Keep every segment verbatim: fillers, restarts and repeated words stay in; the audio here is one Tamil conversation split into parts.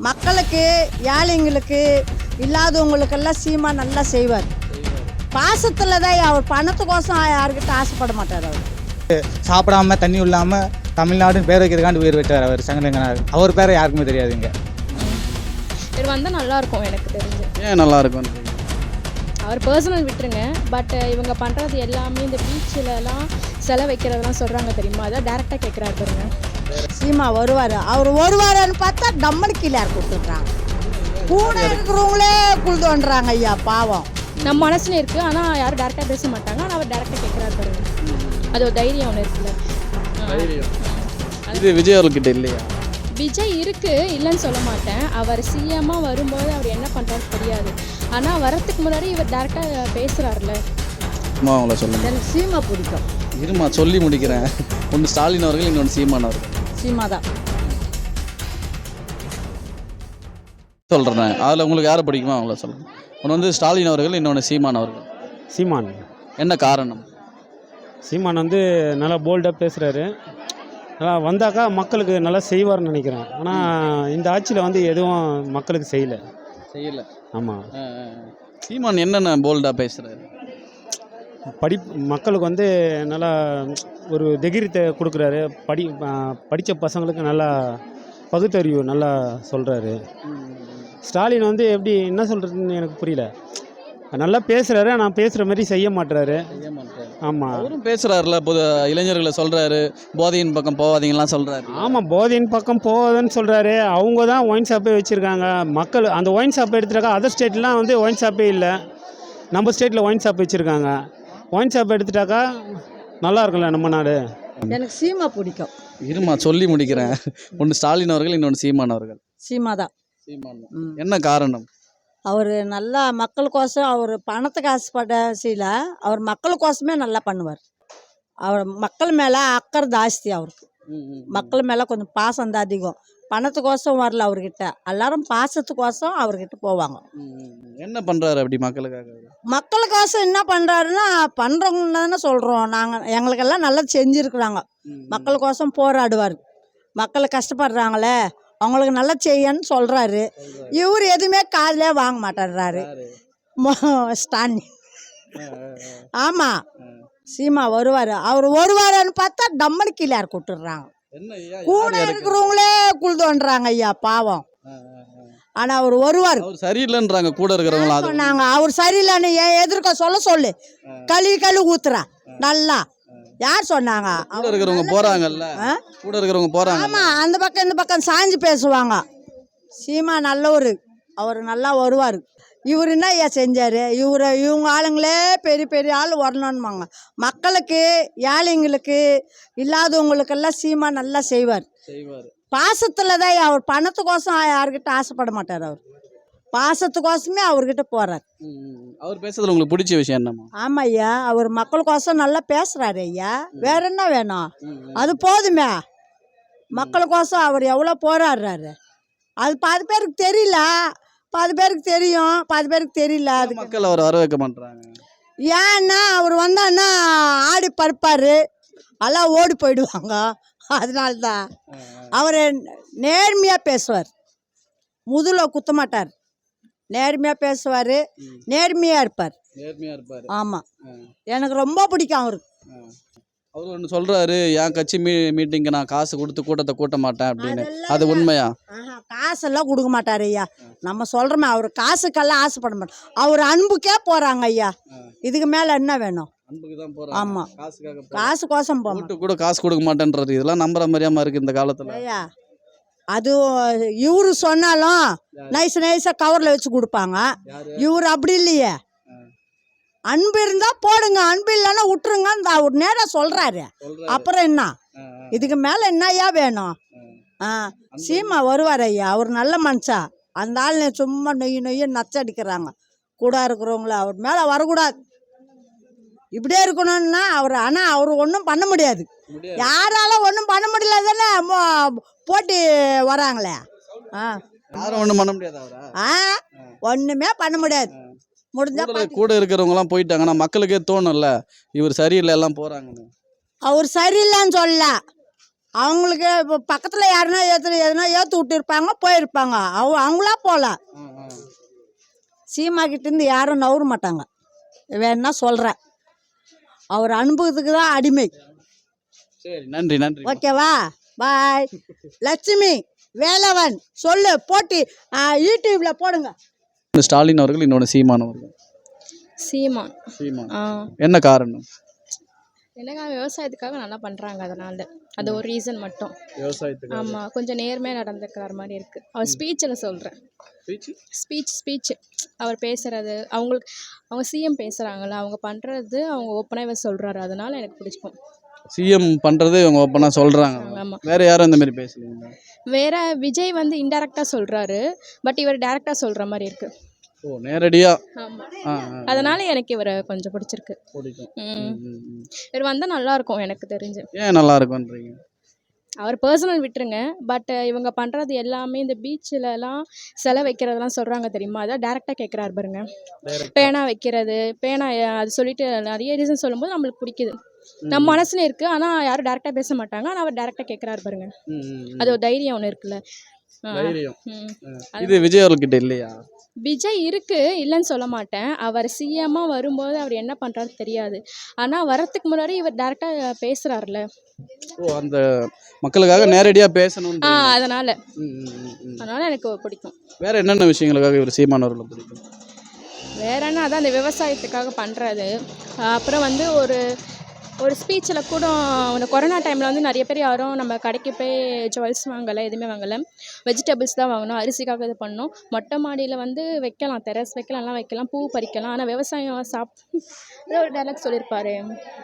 மக்களுக்கு ஏழைங்களுக்கு இல்லாதவங்களுக்கெல்லாம் சீமா நல்லா செய்வார். பாசத்தில் தான் அவர் பணத்துக்கோசம் யாருக்கிட்ட ஆசைப்பட மாட்டார். அவர் சாப்பிடாம தண்ணி இல்லாமல் தமிழ்நாடுன்னு பேர் வைக்கிறதுக்காண்டி உயிர் விட்டார் அவர் சங்கரங்கனார். அவர் பேரை யாருக்குமே தெரியாதுங்க. இவர் வந்தால் நல்லாயிருக்கும் எனக்கு தெரிஞ்சு. ஏன் நல்லாயிருக்கும்? அவர் பர்சனல் விட்டுருங்க, பட் இவங்க பண்ணுறது எல்லாமே இந்த பீச்சிலலாம் செலை வைக்கிறதெல்லாம் சொல்கிறாங்க தெரியுமா, அதான் டேரெக்டாக கேட்குறாரு பாருங்க. சீமா வருவார். அவர் வருவாருன்னு பார்த்தா டம்மனு கீழே கொடுத்துட்றாங்க. கூட இருக்கிறவங்களே குழுதுன்றாங்க ஐயா பாவம். நம்ம மனசுல இருக்குது, ஆனால் யாரும் டேரெக்டாக பேச மாட்டாங்க. ஆனால் அவர் டேரெக்டாக கேட்குறாரு பாருங்க. அது ஒரு தைரியம் ஒன்று இருக்குல்ல. இது விஜய் அவர்கிட்ட இல்லையா? விஜய் இருக்குது, இல்லைன்னு சொல்ல மாட்டேன். அவர் சிஎம்மாக வரும்போது அவர் என்ன பண்ணுறாரு தெரியாது. ஆனால் வரத்துக்கு முன்னாடி இவர் டேரெக்டாக பேசுகிறாருல. அம்மா அவங்கள சொல்லுங்க. எனக்கு சீமா பிடிக்கும். இருமா சொல்லி முடிக்கிறேன். ஒன்று ஸ்டாலின் அவர்கள், இன்னொன்று சீமான் அவர்கள். சீமா தான் சொல்கிறேன். அதில் உங்களுக்கு யாரை பிடிக்குமோ அவங்கள சொல்லுங்கள். ஒன்று வந்து ஸ்டாலின் அவர்கள், இன்னொன்று சீமான் அவர்கள். சீமான். என்ன காரணம்? சீமான் வந்து நல்லா போல்டாக பேசுகிறாரு. நல்லா வந்தாக்கா மக்களுக்கு நல்லா செய்வார்னு நினைக்கிறேன். ஆனால் இந்த ஆட்சியில் வந்து எதுவும் மக்களுக்கு செய்யலை செய்யலை ஆமாம். சீமான் என்னென்ன போல்டாக பேசுகிறாரு? படி மக்களுக்கு வந்து நல்லா ஒரு தைரியத்தை கொடுக்குறாரு. படி படித்த பசங்களுக்கு நல்லா பகுத்தறிவு நல்லா சொல்கிறாரு. ஸ்டாலின் வந்து எப்படி என்ன சொல்கிறதுன்னு எனக்கு புரியல. நல்லா பேசுகிறாரு, ஆனால் பேசுகிற மாதிரி செய்ய மாட்டுறாரு. ஆமாம், அவரும் பேசுகிறாருல, பொது இளைஞர்களை சொல்கிறாரு, போதையின் பக்கம் போகாதீங்கலாம் சொல்கிறாரு. ஆமாம், போதையின் பக்கம் போகாதுன்னு சொல்கிறாரு. அவங்க தான் ஒயின் ஷாப்பே வச்சுருக்காங்க. மக்கள் அந்த ஒயின் ஷாப்பை எடுத்துட்டாக்கா அதர் ஸ்டேட்லாம் வந்து ஒயின் ஷாப்பே இல்லை. நம்ம ஸ்டேட்டில் ஒயின் ஷாப் வச்சுருக்காங்க. ஒயின் ஷாப் எடுத்துட்டாக்கா நல்லா இருக்கும்ல நம்ம நாடு. எனக்கு சீமா பிடிக்கும். இருமா சொல்லி முடிக்கிறேன். ஒன்று ஸ்டாலின் அவர்கள், இன்னொன்று சீமான் அவர்கள். சீமா தான். சீமான். என்ன காரணம்? அவர் நல்லா மக்களுக்கோசம், அவர் பணத்துக்கு ஆசைப்பட செய்யல, அவர் மக்களுக்கோசமே நல்லா பண்ணுவார். அவர் மக்கள் மேலே அக்கறை ஜாஸ்தி அவருக்கு. மக்கள் மேலே கொஞ்சம் பாசம் தான் அதிகம். பணத்துக்கோசம் வரல அவர்கிட்ட. எல்லாரும் பாசத்துக்கோசம் அவர்கிட்ட போவாங்க. என்ன பண்ணுறாரு அப்படி மக்களுக்காக? மக்களுக்கோசம் என்ன பண்ணுறாருன்னா, பண்ணுறவங்க தானே சொல்கிறோம் நாங்கள். எங்களுக்கெல்லாம் நல்லா செஞ்சுருக்குறாங்க. மக்களுக்கோசம் போராடுவார். மக்கள் கஷ்டப்படுறாங்களே அவங்களுக்கு நல்லா செய்யன்னு சொல்கிறாரு. இவர் எதுவுமே காதிலே வாங்க மாட்டேறாரு ஸ்டாலின். ஆமாம், சீமா வருவார். அவர் வருவாருன்னு பார்த்தா டம்மனு கீழே கூட்டுடுறாங்க. கூட இருக்கிறவங்களே குழுதுன்றாங்க ஐயா பாவம். ஆனால் அவர் வருவார். சரியில்லைன்றாங்க கூட இருக்கிறவங்களா சொன்னாங்க. அவர் சரியில்லைன்னு ஏன் எதிர்க்க சொல்ல சொல்லு. களி களி ஊத்துறா நல்லா. யார் சொன்னாங்க? கூட இருக்கிறவங்க போறாங்கல்ல. கூட இருக்கிறவங்க போறாங்க. ஆமா, அந்த பக்கம் இந்த பக்கம் சாஞ்சு பேசுவாங்க. சீமா நல்லவர். அவர் நல்லா வருவார். இவர் என்ன ஐயா செஞ்சாரு? இவரை இவங்க ஆளுங்களே பெரிய பெரிய ஆள் வரணும்னுவாங்க. மக்களுக்கு ஏழைங்களுக்கு இல்லாதவங்களுக்கெல்லாம் சீமா நல்லா செய்வார். பாசத்தில் தான். அவர் பணத்துக்கோசம் யாருக்கிட்ட ஆசைப்பட மாட்டார். அவர் பாசத்துக்கோசமே அவர்கிட்ட போறார். அவர் பேசுறதுல உங்களுக்கு பிடிச்ச விஷயம் என்னமா? ஆமா ஐயா, அவர் மக்களுக்கோசம் நல்லா பேசுறாரு ஐயா. வேற என்ன வேணும்? அது போதுமே. மக்களுக்கோசம் அவர் எவ்வளோ போராடுறாரு. அது பாதி பேருக்கு தெரியல, பாதி பேருக்கு தெரியும், பாதி பேருக்கு தெரியல. அது மக்கள் அவர் வர வைக்க மாட்டாங்க. ஏன்னா அவர் வந்தான்னா ஆடி பறிப்பார், எல்லாம் ஓடி போயிடுவாங்க. அதனால தான் அவர் நேர்மையாக பேசுவார். முதுல குத்த மாட்டார். நேர்மையாக பேசுவார், நேர்மையாக இருப்பார். நேர்மையாக இருப்பார். ஆமாம், எனக்கு ரொம்ப பிடிக்கும் அவருக்கு. அவர் ஒன்று சொல்கிறாரு, என் கட்சி மீ மீட்டிங்கு நான் காசு கொடுத்து கூட்டத்தை கூட்ட மாட்டேன் அப்படின்னு. அது உண்மையா? காசெல்லாம் கொடுக்க மாட்டார் ஐயா. நம்ம சொல்கிறோமே, அவர் காசுக்கெல்லாம் ஆசைப்பட மாட்டார். அவர் அன்புக்கே போகிறாங்க ஐயா. இதுக்கு மேலே என்ன வேணும்? ஆமாம், காசுக்கோசம் போக கூட காசு கொடுக்க மாட்டேன்றது இதெல்லாம் நம்புற மாதிரியாம இருக்குது இந்த காலத்தில் ஐயா. அது இவரு சொன்னாலும் நைஸ் நைஸாக கவரில் வச்சு கொடுப்பாங்க. இவர் அப்படி இல்லையே. அன்பு இருந்தால் போடுங்க, அன்பு இல்லைன்னா விட்டுருங்க. அவர் நேராக சொல்கிறாரு. அப்புறம் என்ன? இதுக்கு மேலே என்னையா வேணும்? ஆ, சீமா வருவார் ஐயா. அவர் நல்ல மனுஷா. அந்த ஆள் சும்மா நொய்ய நொய்ய நச்சடிக்கிறாங்க. கூட இருக்கிறவங்கள அவர் மேலே வரக்கூடாது. இப்படியே இருக்கணும்னா அவர். ஆனால் அவர் ஒன்றும் பண்ண முடியாது. யாரால ஒன்றும் பண்ண முடியல தானே போட்டி வராங்களே. ஆ, யாரும் ஒன்றும் பண்ண முடியாது. ஆ, ஒன்றுமே பண்ண முடியாது. முடிஞ்சா கூட இருக்கிறவங்கலாம் போயிட்டாங்கன்னா மக்களுக்கே தோணும்ல, இவர் சரியில்லை எல்லாம் போகிறாங்கன்னு. அவர் சரியில்லைன்னு சொல்ல, அவங்களுக்கு இப்போ பக்கத்தில் யாருன்னா ஏற்று எதுனா ஏற்று விட்டுருப்பாங்க போயிருப்பாங்க. அவ அவங்களா போகல. சீமா கிட்டேருந்து யாரும் நவர மாட்டாங்க. வேணா சொல்கிறேன், அவர் அனுபவத்துக்கு தான் அடிமை. சரி, நன்றி நன்றி. ஓகேவா, பாய். லட்சுமி வேலவன் சொல்லு போட்டி யூடியூப்ல போடுங்க. ஸ்டாலின் அவர்கள், இன்னொன்று சீமான் அவர்கள். சீமான். சீமான். ஆ என்ன காரணம்? என்னங்க விவசாயத்துக்காக நல்லா பண்ணுறாங்க, அதனால அது ஒரு ரீசன் மட்டும். விவசாயத்துக்கு. ஆமாம், கொஞ்சம் நேர்மையாக நடந்துக்கிற மாதிரி இருக்குது. அவர் ஸ்பீச்சில் சொல்கிறேன், ஸ்பீச் ஸ்பீச் அவர் பேசுகிறது, அவங்களுக்கு அவங்க சிஎம் பேசுகிறாங்கள, அவங்க பண்ணுறது அவங்க ஓப்பனாகவே சொல்கிறாரு, அதனால எனக்கு பிடிச்சிக்கும். சிஎம் பண்ணுறது இவங்க ஓப்பனாக சொல்கிறாங்க. ஆமாம். வேறு யாரும் இந்த மாதிரி பேசலீங்களா? வேற விஜய் வந்து இன்டெரக்டாக சொல்கிறாரு, பட் இவர் டேரெக்டாக சொல்கிற மாதிரி இருக்குது. ஓ, நேரடியாக. ஆமாம், அதனால எனக்கு இவரை கொஞ்சம் பிடிச்சிருக்கு. பிடிக்கும். ம் இவர் வந்தால் நல்லாயிருக்கும் எனக்கு தெரிஞ்சு. ஏன் நல்லா இருக்கும்ன்றீங்க? அவர் பர்சனல் விட்டுருங்க, பட் இவங்க பண்ணுறது எல்லாமே இந்த பீச்சிலலாம் சிலை வைக்கிறதெல்லாம் சொல்கிறாங்க தெரியுமா, அதான் டேரெக்டாக கேட்குறாரு பாருங்க. பேனா வைக்கிறது, பேனா அது சொல்லிட்டு நிறைய ரீசன் சொல்லும்போது நம்மளுக்கு பிடிக்குது. நம்ம மனசுல இருக்குது, ஆனால் யாரும் டேரெக்டாக பேச மாட்டாங்க, ஆனால் அவர் டேரெக்டாக கேட்குறாரு பாருங்க. அது ஒரு தைரியம் ஒன்று இருக்குல்ல. தைரியம். இது விஜய் அவர்கிட்ட இல்லையா? விஜய் இருக்குது, இல்லைன்னு சொல்ல மாட்டேன். அவர் சிஎம்மாக வரும்போது அவர் என்ன பண்ணுறாரு தெரியாது, ஆனால் வரத்துக்கு முன்னாடி இவர் டேரெக்டாக பேசுகிறாருல. ஓ, அந்த மக்களுக்காக நேரடியாக பேசணும். ஆ அதனால் அதனால் எனக்கு பிடிக்கும். வேற என்னென்ன விஷயங்களுக்காக இவர் சீமான் அவர்களை பிடிக்கும்? வேற என்ன, அதான் அந்த விவசாயத்துக்காக பண்ணுறது. அப்புறம் வந்து ஒரு ஒரு ஸ்பீச்சில் கூட இந்த கொரோனா டைமில் வந்து நிறைய பேர் யாரும் நம்ம கடைக்கு போய் ஜுவல்ஸ் வாங்கலை, எதுவுமே வாங்கலை, வெஜிடபிள்ஸ் தான் வாங்கணும், அரிசிக்காக இது பண்ணோம். மொட்டை மாடியில் வந்து வைக்கலாம், டெரஸ் வைக்கலாம், எல்லாம் வைக்கலாம், பூ பறிக்கலாம், ஆனால் விவசாயம் சாப் ஒரு டைலாக் சொல்லியிருப்பாரு,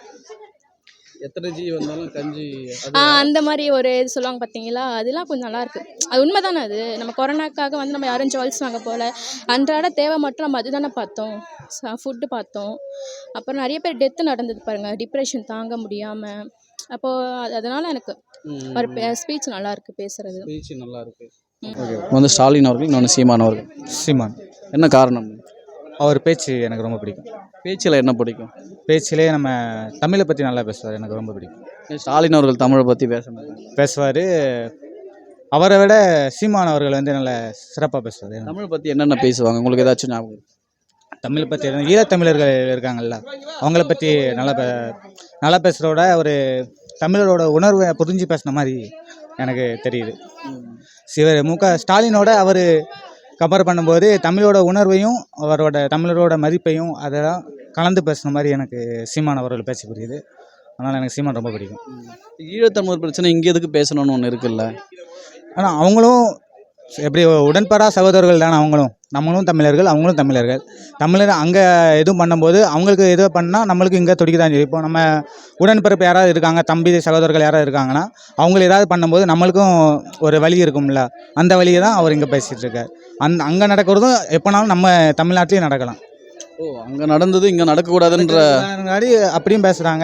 எத்தனை ஜி வந்தாலும் கஞ்சி. ஆ அந்த மாதிரி ஒரு இது சொல்லுவாங்க பார்த்தீங்களா, அதெல்லாம் கொஞ்சம் நல்லாயிருக்கு. அது உண்மை தானே. அது நம்ம கொரோனாக்காக வந்து நம்ம யாரும் ஜுவல்ஸ் வாங்க போகல, அன்றாட தேவை மட்டும் நம்ம அது தானே பார்த்தோம், ஃபுட்டு பார்த்தோம். அப்புறம் நிறைய பேர் டெத்து நடந்தது பாருங்கள், டிப்ரெஷன் தாங்க முடியாமல். அப்போது அதனால் எனக்கு ஒரு ஸ்பீச் நல்லாயிருக்கு, பேசுகிறது ஸ்பீச் நல்லா இருக்கு. வந்து ஸ்டாலின் அவர்கள், இன்னொன்று சீமான் அவர்கள். சீமான். என்ன காரணம்? அவர் பேச்சு எனக்கு ரொம்ப பிடிக்கும். பேச்சில் என்ன பிடிக்கும்? பேச்சிலே நம்ம தமிழை பற்றி நல்லா பேசுவார், எனக்கு ரொம்ப பிடிக்கும். ஸ்டாலின் அவர்கள் தமிழை பற்றி பேச மாட்டாங்க. பேசுவார், அவரை விட சீமான் அவர்கள் வந்து நல்ல சிறப்பாக பேசுவார். தமிழ் பற்றி என்னென்ன பேசுவாங்க உங்களுக்கு ஏதாச்சும் ஞாபகம்? தமிழை பற்றி ஈழத்தமிழர்கள் இருக்காங்கல்ல, அவங்கள பற்றி நல்லா பே நல்லா பேசுகிறோட ஒரு தமிழரோட உணர்வை புரிஞ்சு பேசின மாதிரி எனக்கு தெரியுது. சிவர் மு க ஸ்டாலினோட அவர் கம்பேர் பண்ணும்போது தமிழோட உணர்வையும் அவரோட தமிழரோட மதிப்பையும் அதெல்லாம் கலந்து பேசுன மாதிரி எனக்கு சீமான் அவர்கள் பேச புரியுது. அதனால் எனக்கு சீமான் ரொம்ப பிடிக்கும். ஈழத்தமிழர் பிரச்சனை இங்கே எதுக்கு பேசணும்னு ஒன்று இருக்குல்ல. ஆனால் அவங்களும் எப்படி உடன்படா சகோதரர்கள் தானே, அவங்களும் நம்மளும் தமிழர்கள், அவங்களும் தமிழர்கள். தமிழர் அங்கே எதுவும் பண்ணும்போது அவங்களுக்கு எதுவும் பண்ணால் நம்மளுக்கு இங்கே துடிக்க தான் செய்யும். இப்போ நம்ம உடன்பிறப்பு யாராவது இருக்காங்க, தம்பி சகோதரர்கள் யாராவது இருக்காங்கன்னா அவங்களுக்கு ஏதாவது பண்ணும்போது நம்மளுக்கும் ஒரு வழி இருக்கும்ல, அந்த வழியை தான் அவர் இங்கே பேசிகிட்டு இருக்கார். அந் அங்கே நடக்கிறதும் எப்போனாலும் நம்ம தமிழ்நாட்டிலையும் நடக்கலாம். ஓ, அங்கே நடந்தது இங்கே நடக்கக்கூடாதுன்ற முன்னாடி அப்படியும் பேசுகிறாங்க.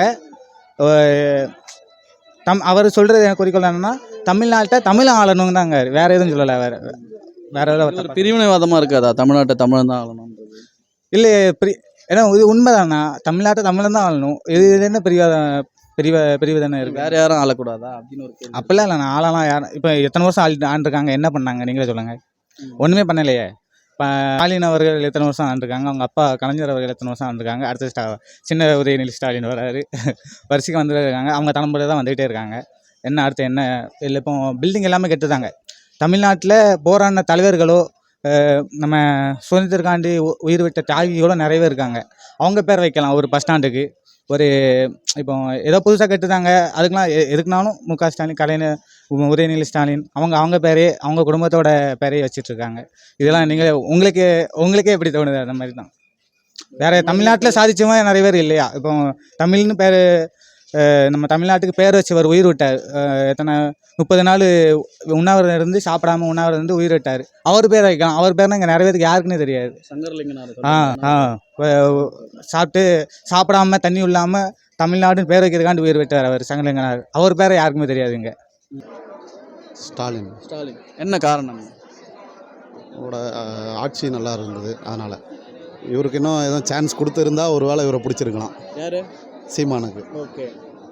தம் அவர் சொல்கிறது குறிக்கோள் என்னென்னா தமிழ்நாட்டை தமிழ் ஆளணும் தாங்க, வேறு எதுவும் சொல்லலை. வேறு வேறு ஏதாவது பிரிவினைவாதமாக இருக்காதா தமிழ்நாட்டை தமிழ் தான் ஆளணும்? இல்லை, பிரி ஏன்னா இது உண்மை தானே, தமிழ்நாட்டை தமிழன் தான் ஆளணும். இது இது என்ன பிரிவாத பிரிவ பிரிவு தானே இருக்குது. வேறு யாரும் ஆளக்கூடாதா அப்படின்னு ஒரு கேள்வி. அப்படிலாம் இல்லை, நான் ஆளலாம் யாரும் இப்போ எத்தனை வருஷம் ஆள் ஆண்டிருக்காங்க, என்ன பண்ணாங்க நீங்களே சொல்லுங்கள். ஒன்றுமே பண்ணலையே. இப்போ ஸ்டாலின் அவர்கள் எத்தனை வருஷம் ஆண்டிருக்காங்க, அவங்க அப்பா கலைஞர் அவர்கள் எத்தனை வருஷம் ஆண்டிருக்காங்க, அடுத்த ஸ்டா சின்ன உதயநிதி ஸ்டாலின் வராரு, வரிசைக்கு வந்துட்டு இருக்காங்க. அவங்க தலைமுறை தான் வந்துகிட்டே இருக்காங்க. என்ன அடுத்து என்ன இல்லை, இப்போ பில்டிங் எல்லாமே கெட்டுதாங்க. தமிழ்நாட்டில் போராடின தலைவர்களோ நம்ம சுதந்திரக்காண்டி உயிர் விட்ட தியாகிகளோ நிறையவே இருக்காங்க. அவங்க பேர் வைக்கலாம் ஒரு பஸ் ஸ்டாண்டுக்கு. ஒரு இப்போ ஏதோ புதுசாக கட்டுதாங்க, அதுக்கெலாம் எ எதுக்குனாலும் மு க ஸ்டாலின், கலைஞர், உதயநிதி ஸ்டாலின், அவங்க அவங்க பேரே அவங்க குடும்பத்தோட பேரையே வச்சிட்ருக்காங்க. இதெல்லாம் நீங்கள் உங்களுக்கு உங்களுக்கே எப்படி தோணுது? அந்த மாதிரி தான். வேறு தமிழ்நாட்டில் சாதிச்சவங்க நிறைய பேர் இல்லையா? இப்போ தமிழ்னு பேர் நம்ம தமிழ்நாட்டுக்கு பேர் வச்சு அவர் உயிர் விட்டார். எத்தனை முப்பது நாள் உண்ணாவிரதம் இருந்து சாப்பிடாம உண்ணாவிரதம் இருந்து உயிர் விட்டார். அவர் பேர் வைக்கலாம். அவர் பேர்னா இங்கே நிறைய பேருக்கு யாருக்குன்னே தெரியாது. ஆ ஆ சாப்பிட்டு சாப்பிடாம தண்ணி இல்லாமல் தமிழ்நாடுன்னு பேர் வைக்கிறதுக்காண்டி உயிர் விட்டார் அவர் சங்கரலிங்கனார். அவர் பேரை யாருக்குமே தெரியாதுங்க. ஸ்டாலின். ஸ்டாலின். என்ன காரணம்? அவரோட ஆட்சி நல்லா இருந்தது, அதனால். இவருக்கு இன்னும் எதுவும் சான்ஸ் கொடுத்துருந்தா ஒரு வேளை இவரை பிடிச்சிருக்கலாம். யார்? சீமானுக்கு. ஓகே.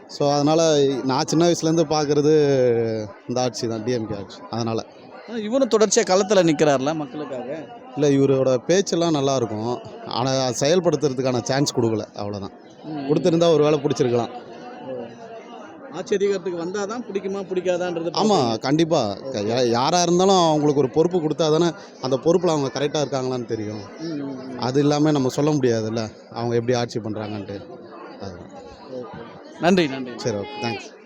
ஸோ அதனால் நான் சின்ன வயசுலேருந்து பார்க்குறது இந்த ஆட்சி தான், டிஎம்கே ஆட்சி. அதனால் ஆனா இவரும் தொடர்ச்சியாக களத்தில் நிற்கிறார்ல மக்களுக்காக. இல்லை, இவரோட பேச்செல்லாம் நல்லாயிருக்கும், ஆனால் செயல்படுத்துறதுக்கான சான்ஸ் கொடுக்கல, அவ்வளோதான். கொடுத்துருந்தா ஒரு வேளை பிடிச்சிருக்கலாம். ஆட்சி அதிகாரத்துக்கு வந்தால் தான் பிடிக்குமா பிடிக்காதான்றது. ஆமாம், கண்டிப்பாக. யாராக இருந்தாலும் அவங்களுக்கு ஒரு பொறுப்பு கொடுத்தா தானே அந்த பொறுப்பில் அவங்க கரெக்டாக இருக்காங்களான்னு தெரியும். அது இல்லாமல் நம்ம சொல்ல முடியாதுல்ல அவங்க எப்படி ஆட்சி பண்ணுறாங்கன்ட்டு. அது நன்றி நன்றி. சரி, ஓகே, தேங்க்ஸ்.